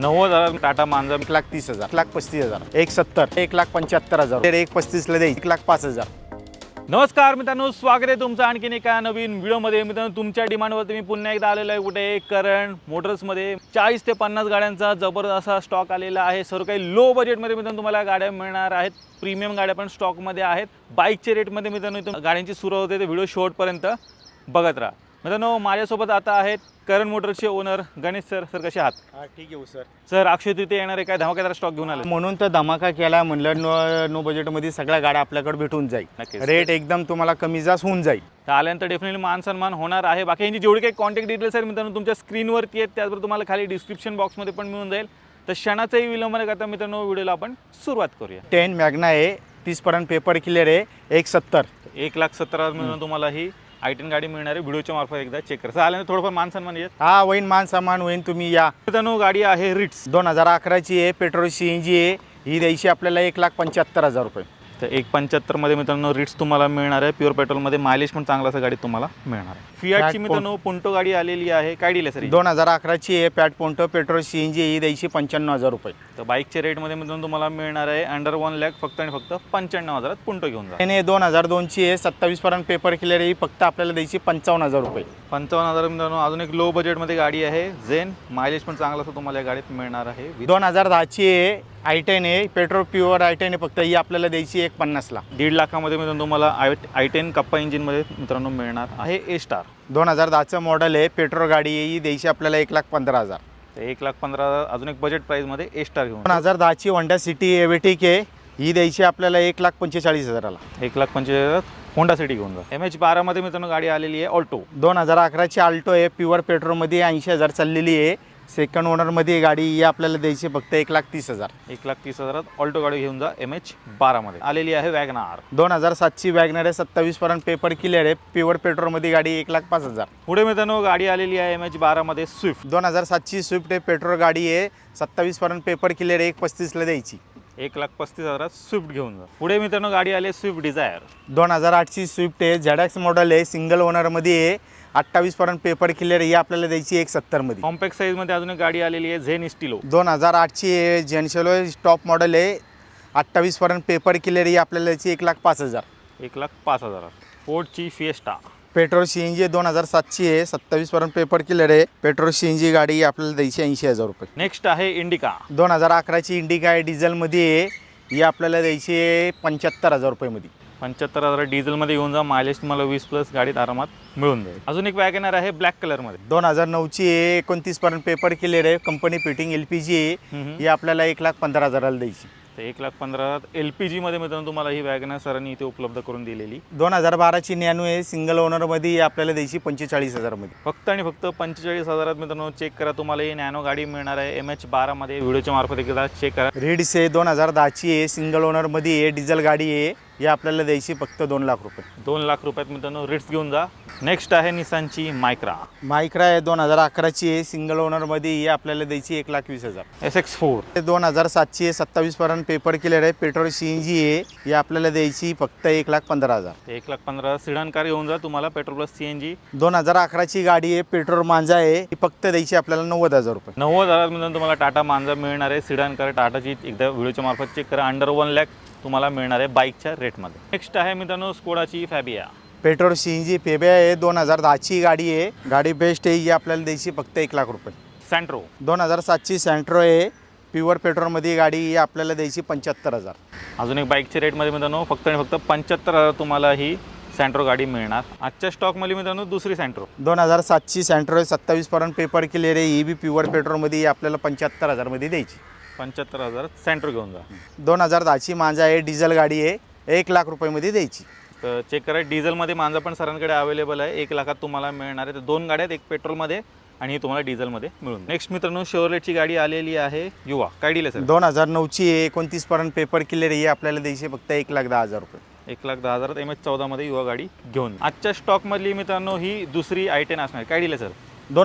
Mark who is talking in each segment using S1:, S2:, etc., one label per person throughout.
S1: 90,000 टाटा मांजर
S2: 1,30,000, 1,35,000, 1,70,000, 1,75,000, 1,35,000 दे 1,05,000.
S1: नमस्कार मित्रांनो, स्वागत आहे तुमचं आणखीन एका नवीन व्हिडिओमध्ये. मित्रांनो, तुमच्या डिमांडवरती मी पुन्हा एकदा आलेलो आहे कुठे करण मोटर्समध्ये. 40 ते 50 गाड्यांचा जबरदस्त असा स्टॉक आलेला आहे. सर्व काही लो बजेटमध्ये मित्रांनो तुम्हाला गाड्या मिळणार आहेत. प्रीमियम गाड्या पण स्टॉकमध्ये आहेत. बाईकच्या रेटमध्ये मित्रांनो इथून गाड्यांची सुरुवात होते. तर व्हिडिओ शेवटपर्यंत बघत राहा. मित्रांनो, माझ्यासोबत आता आहेत करण मोटर्सचे ओनर गणेश सर. सर कसे आहात?
S2: ठीक आहे सर.
S1: सर, अक्षय तृतीया येणार आहे, काय धमाकेदार स्टॉक घेऊन आले?
S2: म्हणून तर धमाका केला. म्हणलं नो बजेटमध्ये सगळ्या गाड्या आपल्याकडे भेटून जाईल.
S1: नक्कीच.
S2: रेट एकदम तुम्हाला कमी जास्त होऊन जाईल.
S1: तर आल्यानंतर डेफिनेटली मान सन्मान होणार आहे. बाकी यांची जेवढी काही कॉन्टॅक्ट डिटेल्स आहेत मित्रांनो तुमच्या स्क्रीनवरती आहेत, त्याचबरोबर तुम्हाला खाली डिस्क्रिप्शन बॉक्समध्ये पण मिळून जाईल. तर क्षणाचाही विलंब न करता मित्रांनो व्हिडिओला आपण सुरुवात करूया.
S2: 10 मॅग्ना आहे, 30पर्यंत पेपर क्लिअर आहे, 1,70,000.
S1: 1,70,000 मिळून तुम्हाला ही i10 गाडी मिळणार आहे. व्हिडिओच्या मार्फत एकदा चेक करा. आल्यानंतर थोडंफार मान सन्मान येत.
S2: हा होईन, मान सामान होईन. तुम्ही या.
S1: मित्रांनो, गाडी आहे रिट्स
S2: 2011ची आहे, पेट्रोल CNG आहे. ही द्यायची आपल्याला 1,75,000 रुपये.
S1: तर 1,75,000 मध्ये मित्रांनो रिट्स तुम्हाला मिळणार आहे. प्युअर पेट्रोलमध्ये मायलेज पण चांगला असं गाडी तुम्हाला मिळणार आहे. फियाटची मित्रांनो पुंटो गाडी आलेली आहे. काय डील आहे सर?
S2: 2011ची आहे, पॅट पोंटो, पेट्रोल CNG. ही द्यायची 95,000 रुपये.
S1: तर बाईकच्या रेटमध्ये मित्रांनो तुम्हाला मिळणार आहे अंडर 1 लाख फक्त आणि फक्त 95,000 पुंटो घेऊन जा.
S2: त्याने 2002ची आहे, 27पर्यंत पेपर क्लिअर आहे. ही फक्त आपल्याला द्यायची 55,000 रुपये.
S1: 55,000 मित्रांनो अजून एक लो बजेटमध्ये गाडी आहे झेन. मायलेज पण चांगला असं तुम्हाला या गाडीत मिळणार आहे.
S2: 2010ची आहे, i10 आहे, पेट्रोल प्युअर i10 आहे. फक्त ही आपल्याला द्यायची 1,50,000ला.
S1: 1.5 लाखामध्ये मित्रांनो तुम्हाला i10 कप्पा इंजिनमध्ये मित्रांनो मिळणार आहे. ए स्टार
S2: 2010चं मॉडेल आहे, पेट्रोल गाडी आहे. ही द्यायची आपल्याला 1,15,000.
S1: तर 1,15,000 अजून एक बजेट प्राईजमध्ये ए स्टार घेऊन.
S2: 2010ची होंडा सिटी एवेटिक आहे. ही द्यायची आपल्याला 1,45,000ला.
S1: 1,45,000 होंडा सिटी घेऊन जा. MH12 मध्ये मित्रांनो गाडी आलेली आहे ऑल्टो.
S2: 2011ची आल्टो आहे, प्युअर पेट्रोलमध्ये 80,000 चाललेली आहे. सेकंड ओनरमध्ये गाडी. ही आपल्याला द्यायची फक्त 1,30,000.
S1: 1,30,000 ऑल्टो गाडी घेऊन जा. MH12 मध्ये आलेली आहे वॅगनार.
S2: 2007ची वॅगनर आहे, 27पर्यंत पेपर क्लिअर आहे. प्युअर पेट्रोलमध्ये गाडी 1,05,000.
S1: पुढे मित्रांनो गाडी आलेली आहे MH12 मध्ये स्विफ्ट.
S2: 2007ची स्विफ्ट आहे, पेट्रोल गाडी आहे. 27पर्यंत पेपर क्लिअर आहे. 1,35,000ला द्यायची.
S1: 1,35,000 स्विफ्ट घेऊन जा. पुढे मित्रांनो गाडी आली स्विफ्ट डिझायर.
S2: 2008ची स्विफ्ट आहे, ZX मॉडेल आहे, सिंगल ओनरमध्ये आहे. 28पर्यंत पेपर क्लिअर. ही आपल्याला द्यायची 1,70,000मध्ये.
S1: कॉम्पॅक्ट साईजमध्ये अजून एक गाडी आलेली आहे झेन स्टिलो.
S2: 2008ची आहे, जेनशेलो टॉप मॉडेल आहे. 28पर्यंत पेपर क्लिअर. ही आपल्याला द्यायची 1,05,000.
S1: 1,05,000. फोर्डची फिएस्टा.
S2: पेट्रोल CNG 2007ची आहे, 27पर्यंत पेपर क्लिअर आहे. पेट्रोल CNG गाडी ही आपल्याला द्यायची 80,000 रुपये.
S1: नेक्स्ट आहे इंडिका.
S2: 2011ची इंडिका आहे, डिझेलमध्ये आहे. ही आपल्याला द्यायची 75,000 रुपयेमध्ये.
S1: 75,000 डिझेलमध्ये घेऊन जा. मायलेज तुम्हाला 20+ गाडीत आरामात मिळून जाईल. अजून एक वॅगनर आहे ब्लॅक कलरमध्ये.
S2: 2009ची आहे, 29पर्यंत पेपर क्लिअर आहे. कंपनी फिटिंग LPG आहे. ही आपल्याला 1,15,000ला द्यायची.
S1: तर 1,15,000 LPG मध्ये मित्रांनो तुम्हाला ही वॅगनर सरांनी इथे उपलब्ध करून दिलेली.
S2: 2012ची नॅनो आहे, सिंगल ओनरमध्ये. ही आपल्याला द्यायची 45,000मध्ये.
S1: फक्त आणि फक्त 45,000 मित्रांनो चेक करा. तुम्हाला ही नॅनो गाडी मिळणार आहे MH12 मध्ये. व्हिडिओच्या मार्फत एकदा चेक करा.
S2: रिड्स आहे, 2010ची आहे, सिंगल ओनरमध्ये आहे, डिझेल गाडी आहे. ही आपल्याला द्यायची फक्त 2 लाख रुपये.
S1: 2 लाख रुपयात मित्रांनो रिट्स घेऊन जा. नेक्स्ट आहे निसानची मायक्रा.
S2: मायक्रा आहे, 2011ची आहे, सिंगल ओनरमध्ये. ही आपल्याला द्यायची 1,20,000.
S1: SX4
S2: 2007ची आहे, 27पर्यंत पेपर क्लिअर आहे. पेट्रोल CNG आहे. ही आपल्याला द्यायची फक्त 1,15,000.
S1: 1,15,000 सिडान कार घेऊन जा. तुम्हाला पेट्रोल प्लस CNG.
S2: 2011ची गाडी आहे, पेट्रोल मांजा आहे. ही फक्त द्यायची आपल्याला 90,000 रुपये.
S1: 90,000 मित्रांनो तुम्हाला टाटा मांजा मिळणार आहे. सिडान कार टाटाची एकदा व्हिडिओच्या मार्फत चेक करा. अंडर 1 लाख तुम्हाला मिळणार आहे बाईकच्या रेटमध्ये. नेक्स्ट आहे मित्रांनो स्कोडाची फॅबिया.
S2: पेट्रोल CNG फेबिया आहे, 2010ची गाडी आहे. गाडी बेस्ट आहे. ही आपल्याला द्यायची फक्त 1 लाख रुपये.
S1: सँट्रो
S2: 2007ची सँट्रो आहे, प्युअर पेट्रोलमध्ये गाडी. ही आपल्याला द्यायची 75,000.
S1: अजून एक बाईकच्या रेटमध्ये मित्रांनो फक्त आणि फक्त 75,000 तुम्हाला ही सँट्रो गाडी मिळणार. आजच्या स्टॉकमध्ये मित्रांनो दुसरी सँट्रो.
S2: 2007ची सँट्रो आहे, 27पर्यंत पेपर क्लिअर आहे. ही बी प्युअर पेट्रोलमध्ये. ही आपल्याला 75,000मध्ये द्यायची.
S1: 75,000 सँट्रो घेऊन जा.
S2: 2010ची मांजा आहे, डिझेल गाडी आहे. 1 लाख रुपयेमध्ये द्यायची.
S1: तर चेक करा. डिझेलमध्ये मांजा पण सरांकडे अवेलेबल आहे. 1 लाखात तुम्हाला मिळणार आहे. तर 2 गाड्या आहेत, एक पेट्रोलमध्ये आणि ही तुम्हाला डिझेलमध्ये मिळून. नेक्स्ट मित्रांनो शेवरलेटची गाडी आलेली आहे युवा. काय डील आहे सर?
S2: 2009ची आहे, 29पर्यंत पेपर क्लिअर आहे. ही आपल्याला द्यायची फक्त 1,10,000 रुपये.
S1: 1,10,000 MH14 मध्ये युवा गाडी घेऊन. आजच्या स्टॉकमधली मित्रांनो ही दुसरी i10 असणार. काय डील आहे सर?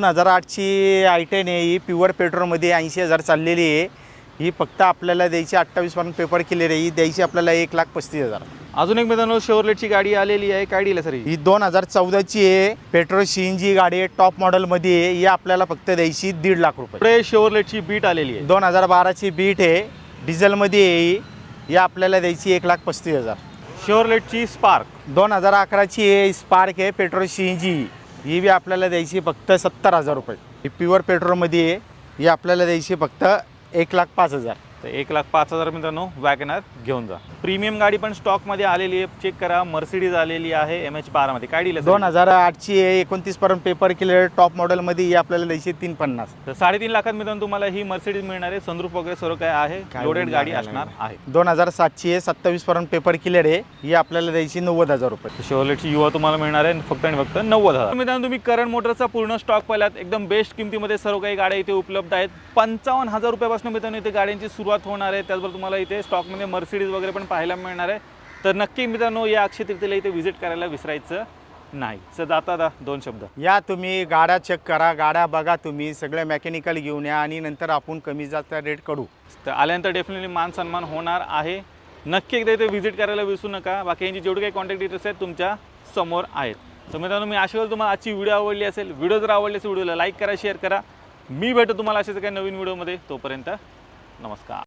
S2: 2008ची i10 आहे. ही प्युअर पेट्रोलमध्ये 80,000 चाललेली आहे. ही फक्त आपल्याला द्यायची 28पर्यंत पेपर क्लिअर आहे. ही द्यायची आपल्याला 1,35,000.
S1: अजून एक मित्रांनो शेवरलेटची गाडी आलेली आहे. काय डील आहे सर ही?
S2: ही 2014ची आहे, पेट्रोल CNG गाडी आहे, टॉप मॉडेलमध्ये आहे. ही आपल्याला फक्त द्यायची 1.5 लाख रुपये.
S1: पुढे शेवरलेटची बीट आलेली आहे.
S2: 2012ची बीट आहे, डिझेलमध्ये आहे. ही आपल्याला द्यायची 1,35,000.
S1: शेवरलेटची स्पार्क
S2: 2011ची आहे, स्पार्क आहे, पेट्रोल CNG. ही बी आपल्याला द्यायची फक्त 70,000 रुपये. ही प्युअर पेट्रोलमध्ये आहे. ही आपल्याला द्यायची फक्त 1,05,000.
S1: तर 1,05,000 मित्रांनो वॅगनर घेऊन जा. प्रीमियम गाडी पण स्टॉकमध्ये आलेली आहे. चेक करा, मर्सिडीज आलेली आहे MH12 मध्ये. काय डील आहे?
S2: 2008ची आहे, 29 पर्यंत पेपर क्लिअर, टॉप मॉडेलमध्ये. ही आपल्याला द्यायची 350.
S1: तर 3.5 लाखात मित्रांनो तुम्हाला ही मर्सिडीज मिळणार आहे. सनरूफ वगैरे सर्व काय आहे, लोडेड गाडी असणार आहे.
S2: 2007ची आहे, 27 पर्यंत पेपर क्लिअर आहे. ही आपल्याला द्यायची 90,000 रुपये.
S1: शेवरलेटची युवा तुम्हाला मिळणार आहे फक्त आणि फक्त 90,000. मित्रांनो तुम्ही करण मोटरचा पूर्ण स्टॉक पाहिलात. एकदम बेस्ट किमतीमध्ये सर्व काही गाड्या इथे उपलब्ध आहेत. 55,000 रुपयापासून मित्रांनो इथे गाड्यांची सुरुवात होणार आहे. त्याचबरोबर तुम्हाला इथे स्टॉकमध्ये मर्सिडीज वगैरे पण पाहायला मिळणार आहे. तर नक्की मित्रांनो या अक्षय तृतीयेला इथे व्हिजिट करायला विसरायचं नाही. सर जाता 2 शब्द.
S2: या तुम्ही गाड्या चेक करा, गाड्या बघा, तुम्ही सगळे मेकॅनिकल घेऊन या आणि नंतर आपण कमी जास्त रेट काढू.
S1: तर आल्यानंतर डेफिनेटली मान सन्मान होणार आहे. नक्की एकदा इथे व्हिजिट करायला विसरू नका. बाकी यांची जेवढी काही कॉन्टॅक्ट डिटेल्स आहेत तुमच्या समोर आहेत. तर मित्रांनो मी आशा करतो तुम्हाला आजची व्हिडिओ आवडली असेल. व्हिडिओ जर आवडली असेल व्हिडिओला लाईक करा, शेअर करा. मी भेटतो तुम्हाला अशाच काही नवीन व्हिडिओमध्ये. तोपर्यंत नमस्कार.